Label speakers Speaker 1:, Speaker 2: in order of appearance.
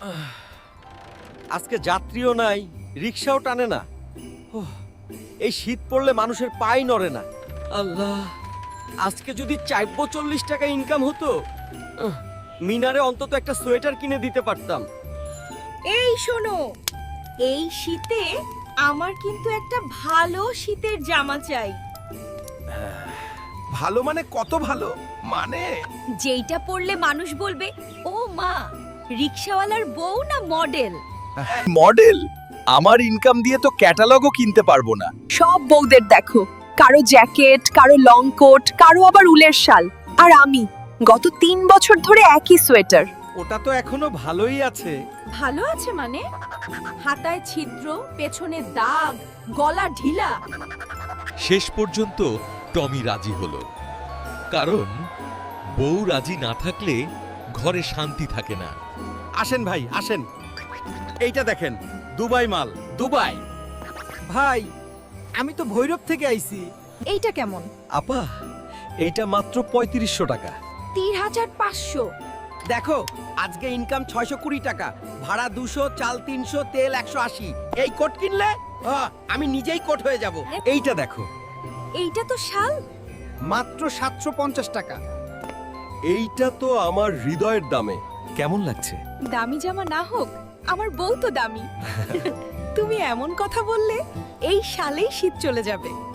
Speaker 1: আজকে যাত্রীও নাই, রিক্সাও টানে না। ওহ, এই শীত পড়লে মানুষের পাই নড়ে না। আল্লাহ, আজকে যদি ৪৪০ টাকা ইনকাম হতো, মিনারে অন্তত একটা সোয়েটার কিনে দিতে পারতাম।
Speaker 2: এই শোনো, এই শীতে আমার কিন্তু একটা ভালো শীতের জামা চাই,
Speaker 3: ভালো মানে কত ভালো? মানে
Speaker 2: যেইটা পরলে মানুষ বলবে ও মা, রিক্সাওয়ালার বউ না মডেল।
Speaker 3: মডেল? আমার ইনকাম দিয়ে তো ক্যাটালগও কিনতে পারবো না।
Speaker 4: সব বউদের দেখো, কারো জ্যাকেট, কারো লং কোট, কারো আবার উলের শাল, আর আমি গত ৩ বছর ধরে একই সোয়েটার।
Speaker 1: ওটা তো এখনো ভালোই আছে।
Speaker 2: ভালো আছে মানে? হাতায় ছিদ্র, পেছনে দাগ, গলা ঢিলা।
Speaker 5: শেষ পর্যন্ত টমি রাজি হলো, কারণ বউ রাজি না থাকলে ঘরে শান্তি থাকে না।
Speaker 1: আসেন ভাই, আসেন। এইটা দেখেন, দুবাই মাল। দুবাই ভাই, আমি তো ভৈরব থেকে আইছি।
Speaker 2: এইটা কেমন?
Speaker 1: আপা, এইটা মাত্র ৩৫০০ টাকা।
Speaker 2: ৩৫০০।
Speaker 1: দেখো, আজকে ইনকাম ৬২০ টাকা, ভাড়া ২০০, চাল ৩০০, তেল ১৮০। এই কোট কিনলে আমি নিজেই কোট হয়ে যাব। এইটা দেখো,
Speaker 2: এইটা তো শাল।
Speaker 1: মাত্র ৭৫০ টাকা। এইটা তো আমার হৃদয়ের দামে। কেমন লাগছে?
Speaker 2: দামি জামা না হোক, আমার বউ তো দামি। তুমি এমন কথা বললে, এই শালেই শীত চলে যাবে।